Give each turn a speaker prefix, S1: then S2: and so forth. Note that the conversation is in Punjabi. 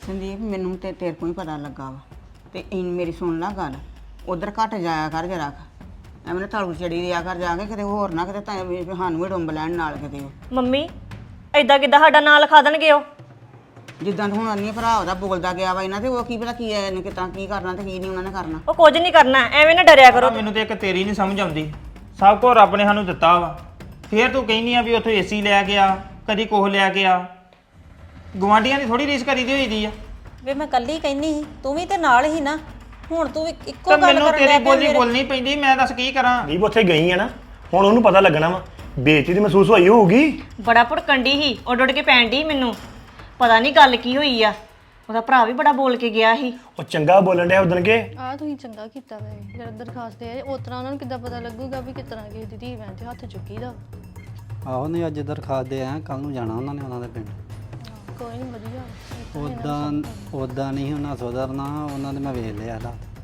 S1: ਸੰਦੀਪ ਮੈਨੂੰ ਤੇ ਤੇਰੇ ਕੋਲ ਹੀ ਪਤਾ ਲੱਗਾ ਵਾ ਤੇ ਮੇਰੀ ਸੁਣ ਲੈ ਗੱਲ ਉਧਰ ਘੱਟ ਜਾਇਆ ਕਰ ਜਰਾ ਐਵੇਂ ਨਾ ਤਾਲੂ ਚੜੀ ਰਿਆ ਕਰ ਜਾ ਕੇ ਕਿਤੇ ਹੋਰ ਨਾ ਕਿਤੇ ਸਾਨੂੰ ਵੀ ਡੁੰਬ ਲੈਣ ਨਾਲ ਕਿਤੇ
S2: ਮੰਮੀ ਐਦਾਂ ਕਿੱਦਾਂ ਸਾਡਾ ਨਾਂ ਲਿਖਾ ਦੇਣਗੇ ਉਹ
S1: ਜਿੱਦਾਂ ਹੁਣ ਅੰਨੀ ਭਰਾ ਉਹਦਾ ਬੋਲਦਾ ਗਿਆ ਵਾ ਇਹਨਾਂ ਤੇ ਉਹ ਕੀ ਪਤਾ ਕੀ ਹੈ ਇਹਨੇ ਕਿਤਾ ਕੀ ਕਰਨਾ ਤੇ ਕੀ ਨਹੀਂ ਉਹਨਾਂ ਨੇ ਕਰਨਾ
S2: ਉਹ ਕੁਝ ਨਹੀਂ ਕਰਨਾ ਐਵੇਂ ਨਾ ਡਰਿਆ ਕਰੋ
S3: ਮੈਨੂੰ ਤੇ ਇੱਕ ਤੇਰੀ ਨਹੀਂ ਸਮਝ ਆਉਂਦੀ ਸਭ ਕੁਝ ਰੱਬ ਨੇ ਸਾਨੂੰ ਦਿੱਤਾ ਵਾ ਫੇਰ ਤੂੰ ਕਹਿੰਦੀ ਆ ਵੀ ਉੱਥੋਂ ਏਸੀ ਲੈ ਕੇ ਆ ਕਦੀ ਕੋਹ ਲੈ ਕੇ ਆ ਗਵਾਂਢੀਆਂ ਦੀ ਥੋੜੀ ਰੀਸ ਕਰੀਦੀ ਹੋਈ ਦੀ ਆ
S4: ਵੇ ਮੈਂ ਕੱਲੀ ਕਹਿੰਨੀ ਸੀ ਤੂੰ ਵੀ ਤੇ ਨਾਲ ਹੀ ਨਾ ਹੁਣ ਤੂੰ ਵੀ ਇੱਕੋ
S3: ਤਾਂ
S4: ਗੱਲ
S3: ਮੈਨੂੰ
S4: ਕਰਨ
S3: ਤੇਰੀ
S4: ਲੱਗ ਪਿਆ
S3: ਬੋਲੀ ਬੋਲਣੀ ਪੈਂਦੀ ਮੈਂ ਦੱਸ ਕੀ ਕਰਾਂ
S5: ਵੀ ਉੱਥੇ ਗਈ ਆ ਨਾ ਹੁਣ ਉਹਨੂੰ ਪਤਾ ਲੱਗਣਾ ਵਾ ਬੇਇੱਜ਼ਤੀ ਦੀ ਮਹਿਸੂਸ ਹੋਈ ਹੋਊਗੀ
S2: ਬੜਾ ਭੜਕੰਡੀ ਸੀ ਉੱਡ ਉੱਡ ਕੇ ਪੈਣ ਡਈ ਮੈਨੂੰ ਪਤਾ ਨਹੀਂ ਗੱਲ ਕੀ ਹੋਈ ਆ ਉਹਦਾ ਭਰਾ ਵੀ ਬੜਾ ਬੋਲ ਕੇ ਗਿਆ ਸੀ
S5: ਉਹ ਚੰਗਾ ਬੋਲਣ ਡਿਆ ਉਦਣ ਕੇ
S6: ਆ ਤੁਸੀਂ ਚੰਗਾ ਕੀਤਾ ਵੇ ਜਦ ਦਰਖਾਸਤ ਦੇ ਉਸ ਤਰ੍ਹਾਂ ਉਹਨਾਂ ਨੂੰ ਕਿੱਦਾਂ ਪਤਾ ਲੱਗੂਗਾ ਵੀ ਕਿਸ ਤਰ੍ਹਾਂ ਕਿਸੇ ਦੀ ਧੀ ਭੈਣ ਤੇ ਹੱਥ ਚੁੱਕੀ ਦਾ
S7: ਆਹੋ ਨਹੀਂ ਅੱਜ ਦਰਖਾਸਤ ਦੇ ਆਇਆ ਕੱਲ ਨੂੰ ਜਾਣਾ ਉਹਨਾਂ ਨੇ ਉਹਨਾਂ ਦੇ ਪਿੰਡ
S6: ਕੋਈ ਨਹੀਂ ਵਧੀਆ
S7: ਉਦਾਂ ਨਹੀਂ ਉਹਨਾਂ ਸੁਧਰਨਾ ਉਹਨਾਂ ਦੇ ਮੈਂ ਵੇਖ ਲਿਆ ਹਾਲਾਤ